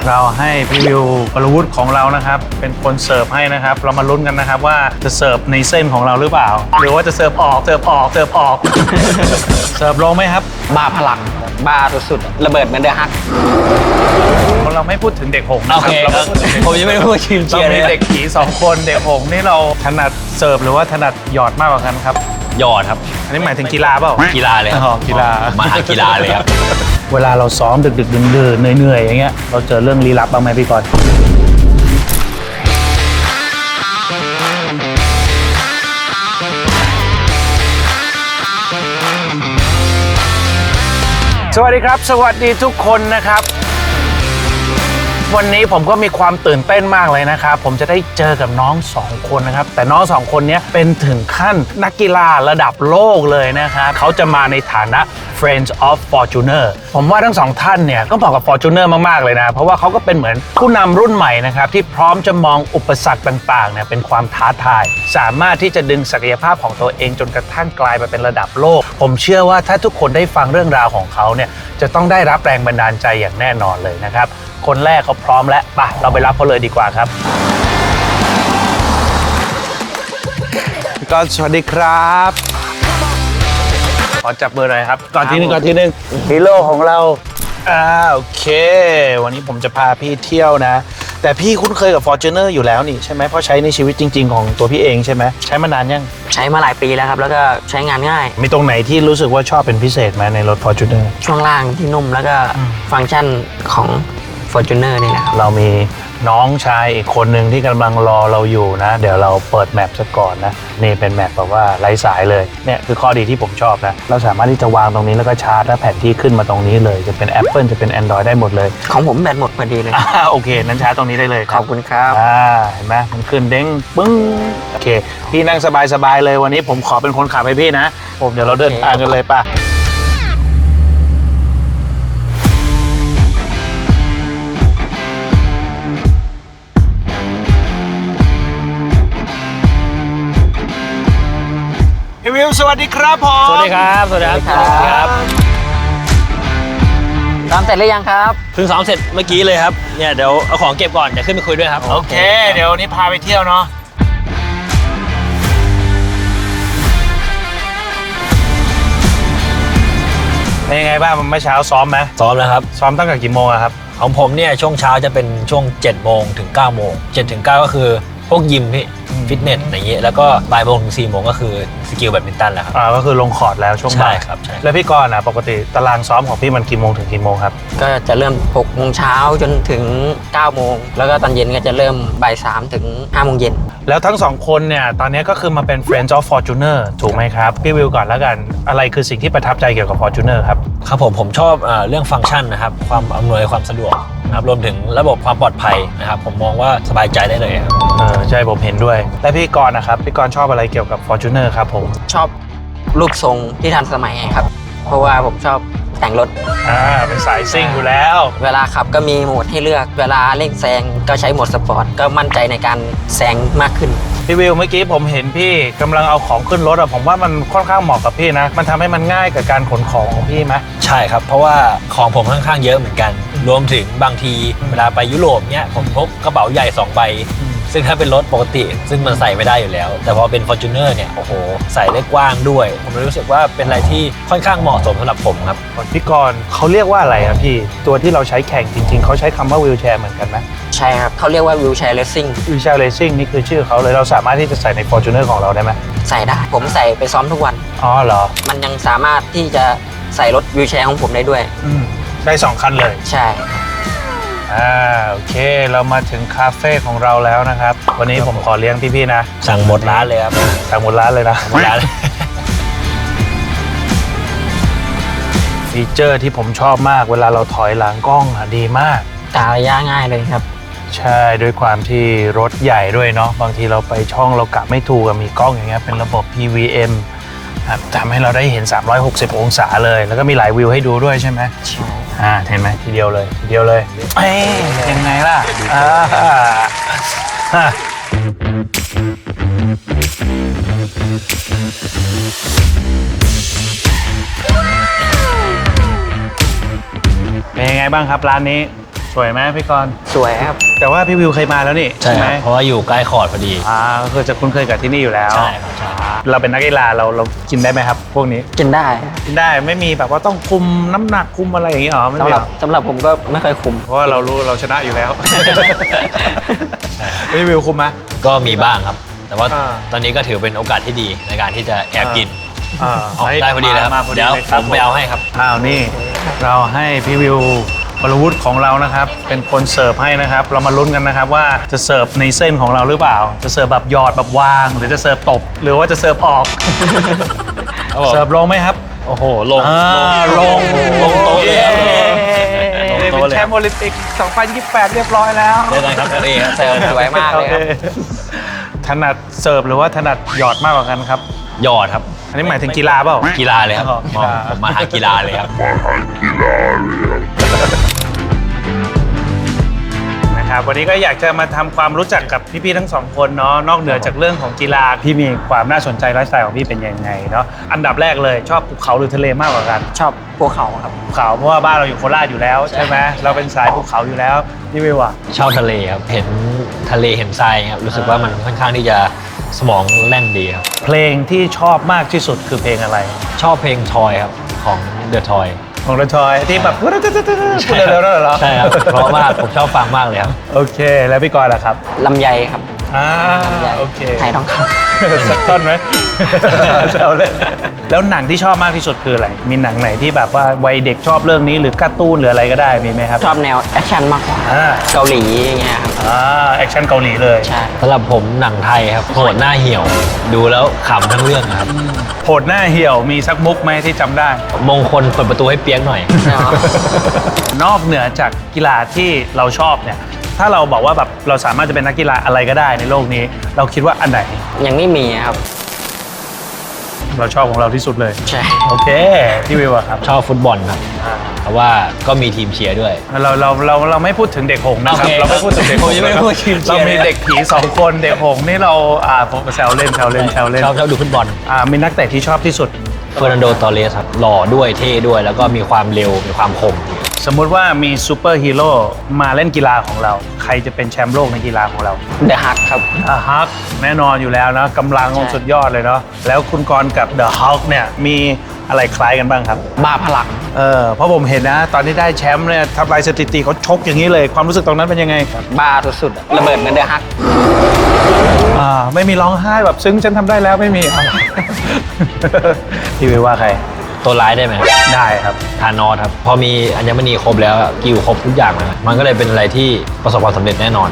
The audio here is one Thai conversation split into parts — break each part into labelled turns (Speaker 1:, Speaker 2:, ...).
Speaker 1: เราให้พี่วิวปรวุฒิของเรานะครับเป็นคนเสิร์ฟให้นะครับเรามาลุ้นกันนะครับว่าจะเสิร์ฟในเส้นของเราหรือเปล่าหรือว่าจะเสิร์ฟออกเสิร์ฟออกเสิร์ฟออก เสิร์ฟลงไหมครับ
Speaker 2: บ้าพลังบ้าสุดๆระเบิดเหมือนเดอะฮัก
Speaker 1: เราไม่พูดถึงเด็กหงส์นะ
Speaker 2: โอ
Speaker 1: ครั
Speaker 2: เค
Speaker 1: เรา
Speaker 2: ผมยังไม่ได้พูดทีมเชี
Speaker 1: เรา
Speaker 2: ยร์เล
Speaker 1: มี
Speaker 2: ย
Speaker 1: เด็กผี2คนเด็กหงส์นี่เราถนัดเสิร์ฟหรือว่าถนัดหยอดมากกว่ากันครับ
Speaker 2: ยอดครับ
Speaker 1: อันนี้หมายถึงกีฬาเปล่า
Speaker 2: กีฬาเลยครับ
Speaker 1: อ๋อกีฬา
Speaker 2: มาทางกีฬาเลยครับ
Speaker 1: เวลาเราซ้อมดึกๆดื่นๆเหนื่อยๆอย่างเงี้ยเราเจอเรื่องลี้ลับบ้างไหมพี่กรณ์สวัสดีครับสวัสดีทุกคนนะครับวันนี้ผมก็มีความตื่นเต้นมากเลยนะครับผมจะได้เจอกับน้อง2คนนะครับแต่น้อง2คนนี้เป็นถึงขั้นนักกีฬาระดับโลกเลยนะครับเขาจะมาในฐานะ Friends of Fortuner ผมว่าทั้ง2ท่านเนี่ยก็เหมาะกับ Fortuner มากๆเลยนะเพราะว่าเขาก็เป็นเหมือนผู้นำรุ่นใหม่นะครับที่พร้อมจะมองอุปสรรคต่างๆเนี่ยเป็นความท้าทายสามารถที่จะดึงศักยภาพของตัวเองจนกระทั่งกลายมาเป็นระดับโลกผมเชื่อว่าถ้าทุกคนได้ฟังเรื่องราวของเขาเนี่ยจะต้องได้รับแรงบันดาลใจอย่างแน่นอนเลยนะครับคนแรกเขาพร้อมแล้วป่ะเราไปรับเขาเลยดีกว่าครับก็สวัสดีครับขอจับเบอร์หน่อยครับก่อนที่หนึ่งฮีโร่ของเราโอเควันนี้ผมจะพาพี่เที่ยวนะแต่พี่คุ้นเคยกับ Fortuner อยู่แล้วนี่ใช่ไหมเพราะใช้ในชีวิตจริงๆของตัวพี่เองใช่ไหมใช้มานานยัง
Speaker 2: ใช้มาหลายปีแล้วครับแล้วก็ใช้งานง่าย
Speaker 1: มีตรงไหนที่รู้สึกว่าชอบเป็นพิเศษไหมในรถ Fortuner
Speaker 2: ช่วงล่างที่นุ่มแล้วก็ฟังก์ชันของ Fortuner นี่นะครับ
Speaker 1: เรามีน้องชายอีกคนหนึ่งที่กำลังรอเราอยู่นะเดี๋ยวเราเปิดแมปซะก่อนนะนี่เป็นแมปแบบว่าไร้สายเลยเนี่ยคือข้อดีที่ผมชอบนะเราสามารถที่จะวางตรงนี้แล้วก็ชาร์จและแผนที่ขึ้นมาตรงนี้เลยจะเป็น Apple จะเป็น Android ได้หมดเลย
Speaker 2: ของผมแบตหมดพอดีเลย
Speaker 1: โอเคนั้นชาร์จตรงนี้ได้เลย
Speaker 2: ขอบคุณครับ
Speaker 1: เห็นไหมมันขึ้นเด้งปึ้งโอเคพี่นั่งสบายๆเลยวันนี้ผมขอเป็นคนขับให้พี่นะผมเดี๋ยวเราเดินทางกันเลยป่ะพี่วิวสวัสดีครับผม
Speaker 2: สวัสดีครับสวัสดีครับซ้อมเสร็จหรือยังครับ
Speaker 3: เพิ่งซ้อมเสร็จเมื่อกี้เลยครับเนี่ยเดี๋ยวเอาของเก็บก่อนเดี๋ยวขึ้นไปคุยด้วยครับ
Speaker 1: โอเคเดี๋ยวนี้พาไปเที่ยวเนาะเป็นยังไงบ้างเมื่อเช้าซ้อมไหม
Speaker 3: ซ้อมแล้วครับ
Speaker 1: ซ้อมตั้งแต่กี่โมงครับ
Speaker 3: ของผมเนี่ยช่วงเช้าจะเป็นช่วง7โมงถึง9โมง7ถึง9ก็คือพวกยิมพี่ฟิตเนสอย่างเงี้ยแล้วก็บ่ายโมงถึง4โมงก็คือสกิลแบดมินตันแล้วครับ
Speaker 1: ก็คือลงคอร์ตแล้วช่วงบ่าย
Speaker 3: ใช่ครับใช่
Speaker 1: แล้วพี่กรณ์ปกติตารางซ้อมของพี่มันกี่โมงถึงกี่โมงครับ
Speaker 2: ก็จะเริ่ม6โมงเช้าจนถึง9โมงแล้วก็ตอนเย็นก็จะเริ่มบ่าย3ถึง5โมงเย็น
Speaker 1: แล้วทั้ง2คนเนี่ยตอนนี้ก็คือมาเป็น Friends of Fortuner ถูกไหมครับพี่วิวก่อนแล้วกันอะไรคือสิ่งที่ประทับใจเกี่ยวกับ Fortuner ครับ
Speaker 3: ครับผมชอบเรื่องฟังก์ชันนะครับความอำนวยความสะดวกนะครับรวมถึงระบบความปลอดภัยนะครับผมมองว่าสบายใจได้เลยครับ
Speaker 1: ใช่ผมเห็นด้วยและพี่กรณ์นะครับพี่กรณ์ชอบอะไรเกี่ยวกับ Fortuner ครับผม
Speaker 2: ชอบรูปทรงที่ทันสมัยครับเพราะว่าผมชอบแต่งรถ
Speaker 1: เป็นสายซิ่งอยู่แล้ว
Speaker 2: เวลาขับก็มีโหมดให้เลือกเวลาเร่งแซงก็ใช้โหมดสปอร์ตก็มั่นใจในการแซงมากขึ้น
Speaker 1: พี่วิวเมื่อกี้ผมเห็นพี่กำลังเอาของขึ้นรถผมว่ามันค่อนข้างเหมาะกับพี่นะมันทำให้มันง่ายกับการขนของของพี่ไหม
Speaker 3: ใช่ครับเพราะว่าของผมค่อนข้างเยอะเหมือนกันรวมถึงบางทีเวลาไปยุโรปเนี่ยผมพกกระเป๋าใหญ่2ใบซึ่งถ้าเป็นรถปกติซึ่งมันใส่ไม่ได้อยู่แล้วแต่พอเป็น Fortuner เนี่ยโอ้โหใส่ได้กว้างด้วยผมรู้สึกว่าเป็นอะไรที่ค่อนข้างเหมาะสมสำหรับผมครับ
Speaker 1: พี่กรณ์เขาเรียกว่าอะไรครับพี่ตัวที่เราใช้แข่งจริงๆเขาใช้คำว่าวีลแชร์เหมือนกันไหม
Speaker 2: ใช่ครับเขาเรียกว่าวิวแชร์เรซซิ่ง
Speaker 1: วีลแชร์เรซซิ่งนี่คือชื่อเขาเลยเราสามารถที่จะใส่ใน Fortuner ของเราได้ไหม
Speaker 2: ใส่ได้ผมใส่ไปซ้อมทุกวัน
Speaker 1: เหรอ
Speaker 2: มันยังสามารถที่จะใส่รถวิวแชร์ของผมได้ด้วย
Speaker 1: ได้2คันเลย
Speaker 2: ใช่
Speaker 1: โอเคเรามาถึงคาเฟ่ของเราแล้วนะครับวันนี้ผมขอเลี้ยงพี่ๆนะ
Speaker 3: สั่งหมดร้านเลยครับ
Speaker 1: สั่งหมดร้านเลยนะ
Speaker 3: หมดร้าน
Speaker 1: ฟีเจอร์ที่ผมชอบมากเวลาเราถอยหลังกล้องดีมาก
Speaker 2: กะระยะง่ายเลยครับ
Speaker 1: ใช่ด้วยความที่รถใหญ่ด้วยเนาะบางทีเราไปช่องเรากะไม่ถูกมีกล้องอย่างเงี้ยเป็นระบบ PVM ทำให้เราได้เห็น360องศาเลยแล้วก็มีหลายวิวให้ดูด้วยใช่ไหม
Speaker 2: ใช่
Speaker 1: เห็นไหมทีเดียวเลยยังไงล่ะเป็นยังไงบ้างครับร้านนี้สวยไหมพี่กรณ์
Speaker 2: สวยครับ
Speaker 1: แต่ว่าพี่วิวเคยมาแล้วนี่
Speaker 3: ใช่ครับเพราะว่าอยู่ใกล้คอร์ดพอดี
Speaker 1: ก็คือจะคุ้นเคยกับที่นี่อยู่แล้ว
Speaker 3: ใช่ครับใช่
Speaker 1: เราเป็นนักกีฬาเรากินได้ไหมครับ พวกนี้
Speaker 2: กินได้
Speaker 1: กินได้ไม่มีแบบว่าต้องคุมน้ำหนักคุมอะไรอย่างนี้หรอไม่
Speaker 2: สำ
Speaker 1: มี
Speaker 2: ห
Speaker 1: ห
Speaker 2: รั
Speaker 1: ร
Speaker 2: บ
Speaker 1: อ
Speaker 2: สำหรับผมก็ไม่เคยคุม
Speaker 1: เพราะว่าเรารู้เราชนะอยู่แล้ว พี่วิวคุมไหม
Speaker 3: ก็มีบ้างครับ แต่ว่า
Speaker 1: อ่า
Speaker 3: ตอนนี้ก็ถือเป็นโอกาสที่ดีในการที่จะแอบกิน
Speaker 1: อ่า
Speaker 3: ออกได้พอดีเลยครับ
Speaker 1: มาพอดี
Speaker 3: เดี๋ยว
Speaker 1: เลยค
Speaker 3: ผ
Speaker 1: รับ
Speaker 3: มไปเอาให้ครับ
Speaker 1: นี่เราให้พี่วิววรวุฒิของเรานะครับ เป็นคนเสิร์ฟให้นะครับ เรามาลุ้นกันนะครับว่าจะเสิร์ฟในเส้นของเราหรือเปล่า จะเสิร์ฟแบบหยอดแบบวาง หรือจะเสิร์ฟตบ หรือว่าจะเสิร์ฟออก
Speaker 3: ครับผม
Speaker 1: เสิร์ฟลงไหมครับ
Speaker 3: โอ้โห ลง
Speaker 1: ลง
Speaker 3: ลงโต๊ะเลยครับ ลง
Speaker 1: เป็
Speaker 3: โต๊ะ
Speaker 1: น
Speaker 3: เลย
Speaker 1: แชมป์โอลิมปิก 2028 เรียบร้อยแล้ว
Speaker 3: เจอกันครับเอครับ
Speaker 2: เสิร์ฟสวยมากเลยครับ
Speaker 1: ถนัดเสิร์ฟหรือว่าถนัดหยอดมากกว่ากันครับ
Speaker 3: หยอดครับ
Speaker 1: อันนี้หมายถึงกีฬาเปล่า
Speaker 3: กีฬาเลยครับ
Speaker 1: อ๋อกีฬา
Speaker 3: ผมมาหากีฬาเลยครับ
Speaker 1: นะครับวันนี้ก็อยากจะมาทำความรู้จักกับพี่ๆทั้งสองคนเนาะนอกเหนือจากเรื่องของกีฬาพี่มีความน่าสนใจไลฟ์สไตล์ของพี่เป็นยังไงเนาะอันดับแรกเลยชอบภูเขาหรือทะเลมากกว่ากัน
Speaker 2: ชอบภูเขาครับ
Speaker 1: ภูเขาเพราะว่าบ้านเราอยู่โคราชอยู่แล้วใช่ไหมเราเป็นสายภูเขาอยู่แล้วพี่วิวอะ
Speaker 3: ชอบทะเลครับ เห็นทะเลเห็นทรายครับ รู้สึกว่ามันค่อนข้างที่จะสมองแล่นดีครับ
Speaker 1: เพลงที่ชอบมากที่สุดคือเพลงอะไร
Speaker 3: ชอบเพลงทอยครับ ของเดอะทอย
Speaker 1: ของระชอยที่แบบพูดเร็วๆนั่นเหรอ
Speaker 3: ใช่ครับ เพราะว่าผมชอบฟังมากเลยครับ
Speaker 1: โอเคแล้วพี่กรณ์ล่ะครับ
Speaker 2: ลำไยครับ
Speaker 1: โอเค
Speaker 2: ไทยทองค
Speaker 1: สักต้นไหม เอาเลยแล้วหนังที่ชอบมากที่สุดคืออะไร มีหนังไหนที่แบบว่าวัยเด็กชอบเรื่องนี้หรือการ์ตูนหรืออะไรก็ได้มีไหมครับ
Speaker 2: ำชอบแนวแอคชั่นมากกว่า
Speaker 1: อ่า
Speaker 2: เกาหลีอย่างเงี้ยครับ
Speaker 1: แอคชั่นเกาหลีเลย
Speaker 2: ใช่
Speaker 3: สำหรับผมหนังไทยครับโหดหน้าเหี่ยว ดูแล้วขำทั้งเรื่องครับ
Speaker 1: โหดหน้าเหี่ยวมีสักมุกไหมที่จำได้
Speaker 3: มงคลเปิดประตูให้เปียกหน่อย
Speaker 1: นอกเหนือจากกีฬาที่เราชอบเนี่ย ถ้าเราบอกว่าแบบเราสามารถจะเป็นนักกีฬาอะไรก็ได้ในโลกนี้ เราคิดว่าอันไหน
Speaker 2: ยังไม่มีครับ
Speaker 1: เราชอบของเราที่สุดเลย
Speaker 2: ใช่
Speaker 1: โอเคพี่วิวอะครับ
Speaker 3: ชอบฟุตบอลครับ เพราะว่าก็มีทีมเชียร์ด้วย
Speaker 1: เราไม่พูดถึงเด็กหงส์นะครับ
Speaker 3: โอเค
Speaker 1: เราไม่พูดถึงเด็กหงส์
Speaker 3: ผมยังไม่พูดทีมเชียร์
Speaker 1: เรามีเด็กผี2 คนเด็กหงส์นี่เราผมแซวเล่น
Speaker 3: ชอบดูฟุตบอล
Speaker 1: มีนักเตะที่ชอบที่สุด
Speaker 3: เฟอร์นันโด ตอร์เรสครับหล่อด้วยเท่ด้วย แล้วก็มีความเร็วมีความคม
Speaker 1: สมมุติว่ามีซูเปอร์ฮีโร่มาเล่นกีฬาของเรา ใครจะเป็นแชมป์โลกในกีฬาของเรา
Speaker 2: เดอะฮักครับ
Speaker 1: ฮักแน่นอนอยู่แล้วนะกำลัง
Speaker 2: ใช่
Speaker 1: สุดยอดเลยเนาะแล้วคุณกรณ์กับเดอะฮักเนี่ยมีอะไรคล้ายกันบ้างครับ
Speaker 2: บ้าพลัง
Speaker 1: เพราะผมเห็นนะ ตอนที่ได้แชมป์เนี่ยทำลายสถิติเขาชกอย่างนี้เลย ความรู้สึกตรงนั้นเป็นยังไงครับ
Speaker 2: บ้าสุดๆอะระเบิดเหมือนเดอะฮัก
Speaker 1: ไม่มีร้องไห้แบบซึ้งฉันทำได้แล้วไม่มี พี่วิวว่าใคร
Speaker 3: ตัวร้ายได้ไหมครับ
Speaker 1: ได้ครับ
Speaker 3: ทานอสครับ พอมีอัญมณีครบแล้วอะกิลครบทุกอย่างแล้วมันก็เลยเป็นอะไรที่ประสบความสำเร็จแน่นอน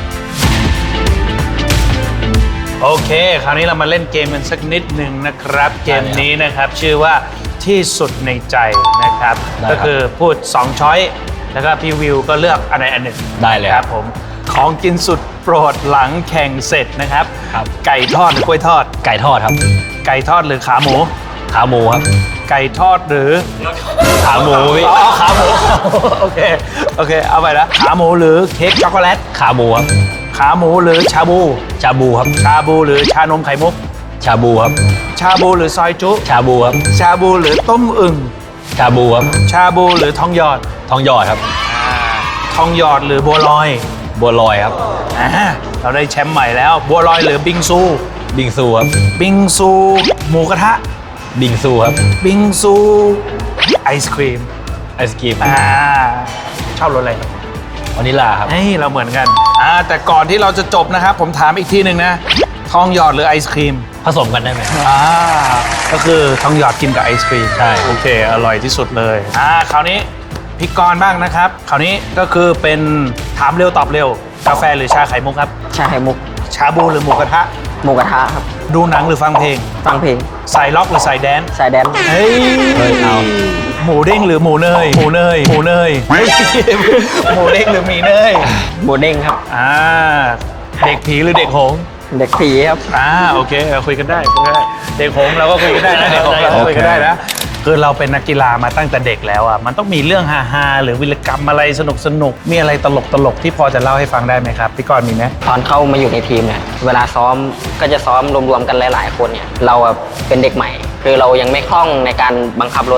Speaker 1: โอเค คราวนี้เรามาเล่นเกมกันสักนิดหนึ่งนะครับ เกมนี้นะครับชื่อว่าที่สุดในใจนะครับ
Speaker 3: ได้ครับ
Speaker 1: ก็คือพูด2ช้อยแล้วก็พี่วิวก็เลือกอันใดอันหนึ่ง
Speaker 3: ได้เลย
Speaker 1: ค
Speaker 3: ค
Speaker 1: รั
Speaker 3: รั
Speaker 1: บบ ผมของกินสุดโปรดหลังแข่งเสร็จนะครับ
Speaker 3: ครับ
Speaker 1: ไก่ทอดหรือกล้วยทอด
Speaker 3: ไก่ทอดครับ
Speaker 1: ไก่ทอดหรือขาหมู
Speaker 3: ขาหมูครับ
Speaker 1: ไก่ทอดหรือ
Speaker 3: ขาหมูพี่
Speaker 1: อ๋อขาหมู โอเคโอเคเอาไปนะขาหมูหรือเค้กช็อกโกแลต
Speaker 3: ขาหมูครับ
Speaker 1: ขาหมูหรือชาบู
Speaker 3: ชาบูครับ
Speaker 1: ชาบูหรือชานมไข่มุก
Speaker 3: ชาบูครับ
Speaker 1: ชาบูหรือซอยจุ
Speaker 3: ชาบูครับ
Speaker 1: ชาบูหรือต้มอึ่ง
Speaker 3: ชาบูครับ
Speaker 1: ชาบูหรือทองหยอด
Speaker 3: ทองหยอดครับ
Speaker 1: ทองหยอดหรือบัวลอย
Speaker 3: บัวลอยครับ
Speaker 1: เราได้แชมป์ใหม่แล้ว บัวลอยหรือบิงซู
Speaker 3: บิงซูครับ
Speaker 1: บิงซูหมูกระทะ
Speaker 3: บิงซูครับ
Speaker 1: บิงซูไอศครีม
Speaker 3: ไอศกรีม
Speaker 1: ชอบรสอะไร
Speaker 3: วานิลลาครับ
Speaker 1: เฮ้ยเราเหมือนกันแต่ก่อนที่เราจะจบนะครับ ผมถามอีกทีหนึ่งนะ ทองหยอดหรือไอศครีม
Speaker 3: ผสมกันได้ไหม
Speaker 1: ก็คือทองหยอดกินกับไอศครีม
Speaker 3: ใช่
Speaker 1: โอเค อร่อยที่สุดเลยคราวนี้พี่กรณ์บ้างนะครับ คราวนี้ก็คือเป็นถามเร็วตอบเร็ว กาแฟหรือชาไข่มุกครับ
Speaker 2: ชาไข่มุก
Speaker 1: ชาบูหรือหมูกระทะ
Speaker 2: หมูกระทะครับ
Speaker 1: ดูหนังหรือฟังเพลง
Speaker 2: ฟังเพลง
Speaker 1: ใส่ล็อกหรือใส่แดนซ์
Speaker 2: สายแดน
Speaker 1: เฮ้ย
Speaker 3: เฮ้ยเอา
Speaker 1: หมูเด้งหรือหมูเนย หมูเนย หมูเนยเฮ้ยหมูเด้งหรือหมีเนย
Speaker 2: โบเด้งครับ
Speaker 1: เด็กผีหรือเด็กหงส์
Speaker 2: เด็กผีครับ
Speaker 1: โอเคคุยกันได้คุยกันได้เด็กหงส์เราก็คุยกันได้นะเด็กหงส์เราก็คุยกันได้นะคือเราเป็นนักกีฬามาตั้งแต่เด็กแล้วอ่ะมันต้องมีเรื่องฮาๆหรือวิรกรรมอะไรสนุกมีอะไรตลกที่พอจะเล่าให้ฟังได้ไหมครับพี่กรณ์มีไหม
Speaker 2: ตอนเข้ามาอยู่ในทีมเนี่ยเวลาซ้อมก็จะซ้อมรวมๆกันหลายๆคนเนี่ยเราอะเป็นเด็กใหม่ คือเรายังไม่คล่องในการบังคับรถ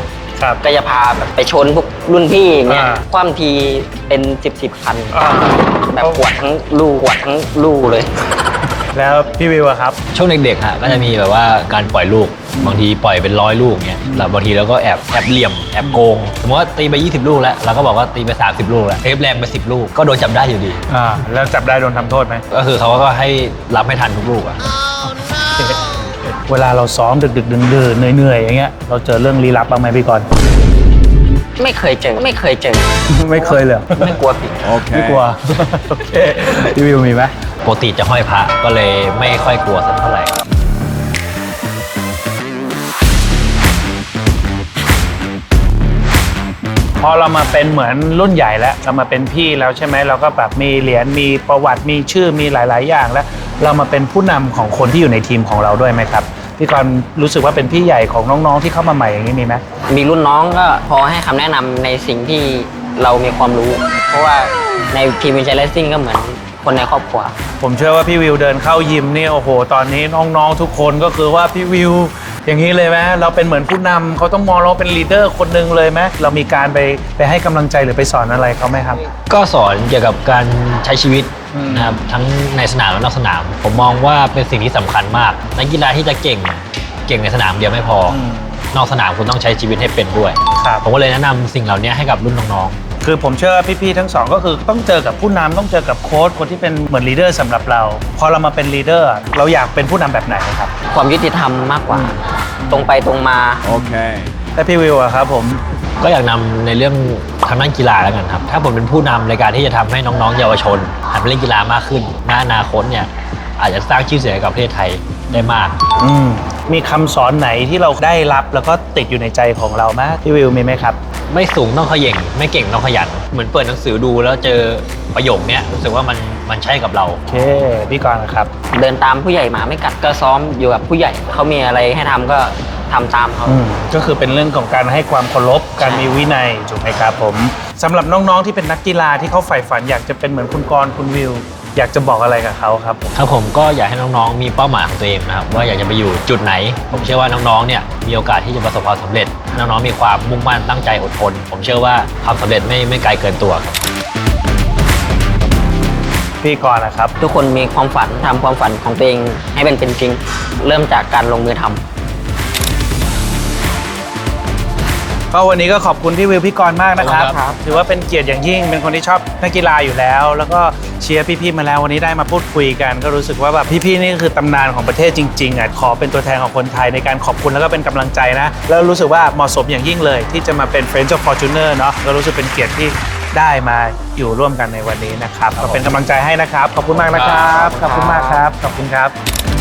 Speaker 1: ครับ
Speaker 2: ก็จะพาแบบไปชนพวกรุ่นพี่อย่างเงี้ย
Speaker 1: อ่า
Speaker 2: คว่ำทีเป็น10คัน
Speaker 1: อ่า
Speaker 2: แบบปวดทั้งลูกเลย
Speaker 1: แล้วพี่วิวอะครับ
Speaker 3: ช่วงเด็กๆฮะก็จะมีแบบว่าการปล่อยลูกบางทีปล่อยเป็น100 ลูกเงี้ยแล้วบางทีเราก็แอบเหลี่ยมแอบโกงสมมติว่าตีไป20 ลูกแล้วเราก็บอกว่าตีไป30 ลูกแล้วเทปแรงไป10 ลูกก็โดนจับได้อยู่ดี
Speaker 1: แล้วจับได้โดนทำโทษไหม
Speaker 3: ก็คือเขาก็ให้รับให้ทันทุกลูกอะ
Speaker 1: เวลาเราซ้อมดึกๆดื่นๆเหนื่อยๆอย่างเงี้ยเราเจอเรื่องลี้ลับบ้างไหมพี่กรณ์
Speaker 2: ไม่เคยเจอ
Speaker 1: ไม่เคยเลย
Speaker 2: ไม่กลัวผี
Speaker 1: ไม่กลัว โอเคพี่วิวมีไหม
Speaker 3: ปกติจะห้อยพระก็เลยไม่ค่อยกลัวสักเท่าไหร่
Speaker 1: พอเรามาเป็นเหมือนรุ่นใหญ่แล้วเรามาเป็นพี่แล้วใช่ไหมเราก็แบบมีเหรียญมีประวัติมีชื่อมีหลาย ๆ อย่างแล้ว เรามาเป็นผู้นำของคนที่อยู่ในทีมของเราด้วยไหมครับพี่กรณ์รู้สึกว่าเป็นพี่ใหญ่ของน้องๆที่เข้ามาใหม่อย่างนี้มีไหม
Speaker 2: มีรุ่นน้องก็พอให้คำแนะนำในสิ่งที่เรามีความรู้ เพราะว่าในทีมวินเชลเลสซิ่งก็เหมือนคนในครอบครัว
Speaker 1: ผมเชื่อว่าพี่วิวเดินเข้ายิมนี่โอ้โหตอนนี้น้องๆทุกคนก็คือว่าพี่วิวอย่างนี้เลยไหมเราเป็นเหมือนผู้นำเขาต้องมองเราเป็นลีดเดอร์คนหนึ่งเลยไหมเรามีการไปให้กำลังใจหรือไปสอนอะไรเขาไหมครับ
Speaker 3: ก็สอนเกี่ยวกับการใช้ชีวิตนะครับทั้งในสนามและนอกสนาม ผมมองว่าเป็นสิ่งที่สำคัญมากนักกีฬาที่จะเก่งในสนามเดียวไม่พอ นอกสนามคุณต้องใช้ชีวิตให้เป็นด้วย
Speaker 1: ครับ
Speaker 3: ผมก็เลยแนะนำสิ่งเหล่านี้ให้กับรุ่นน้อง
Speaker 1: คือผมเชื่อว่าพี่ๆทั้งสองก็คือต้องเจอกับผู้นำต้องเจอกับโค้ชคนที่เป็นเหมือนลีดเดอร์สำหรับเรา พอเรามาเป็นลีดเดอร์เราอยากเป็นผู้นำแบบไหนครับ
Speaker 2: ความยุติธรรมมากกว่า ตรงไปตรงมา
Speaker 1: แต่พี่วิวอะครับผม
Speaker 3: ๆ ก็อยากนำในเรื่องทางด้านกีฬาแล้วกันครับ ถ้าผมเป็นผู้นำในการที่จะทำให้น้องๆเยาวชนหันไปเล่นกีฬามากขึ้นในอนาคตเนี่ยอาจจะสร้างชื่อเสียงให้กับประเทศไทยได้มาก
Speaker 1: มีคำสอนไหนที่เราได้รับแล้วก็ติดอยู่ในใจของเราไหมพี่วิวมีไหมครับ
Speaker 3: ไม่สูงต้องเขย่งไม่เก่งต้องขยัน เหมือนเปิดหนังสือดูแล้วเจอประโยคเนี้ยรู้สึกว่ามันใช่กับเรา
Speaker 1: โอเคพี่กรณ์นะครับ
Speaker 2: เดินตามผู้ใหญ่หมาไม่กัดก็ซ้อมอยู่กับผู้ใหญ่เขามีอะไรให้ทำก็ทำตามเขา
Speaker 1: ก็คือเป็นเรื่องของการให้ความเคารพการมีวินัยถูกไหมครับผมสำหรับน้องๆที่เป็นนักกีฬาที่เขาใฝ่ฝันอยากจะเป็นเหมือนคุณกรณ์คุณวิว อยากจะบอกอะไรกับเขาครับผม
Speaker 3: ครับผมก็อยากให้น้องๆมีเป้าหมายของตัวเองนะครับว่าอยากจะไปอยู่จุดไหน ผมเชื่อว่าน้องๆเนี่ยมีโอกาสที่จะประสบความสำเร็จน้องๆมีความมุ่งมั่นตั้งใจอดทน ผมเชื่อว่าความสำเร็จไม่ไกลเกินตัวครับ
Speaker 1: พี่กรณ์นะครับ
Speaker 2: ทุกคนมีความฝันทำความฝันของตัวเองให้เป็นจริง เริ่มจากการลงมือทำ
Speaker 1: ก็วันนี้ก็ขอบคุณพี่วิวพี่กรณ์มากนะครับ
Speaker 3: ขอบคุณครับ
Speaker 1: ถือว่าเป็นเกียรติอย่างยิ่งเป็นคนที่ชอบนักกีฬาอยู่แล้ว แล้วก็เชียร์พี่ๆมาแล้ววันนี้ได้มาพูดคุยกัน ก็รู้สึกว่าแบบพี่ๆนี่ก็คือตำนานของประเทศจริงๆอ่ะขอเป็นตัวแทนของคนไทยในการขอบคุณแล้วก็เป็นกำลังใจนะแล้วรู้สึกว่าเหมาะสมอย่างยิ่งเลย ที่จะมาเป็น Friends of Fortuner เนาะก็รู้สึกเป็นเกียรติที่ได้มาอยู่ร่วมกันในวันนี้นะครับก็เป็นกำลังใจให้นะครับขอบคุณมากนะครับขอบคุณมากครับขอบคุณครับ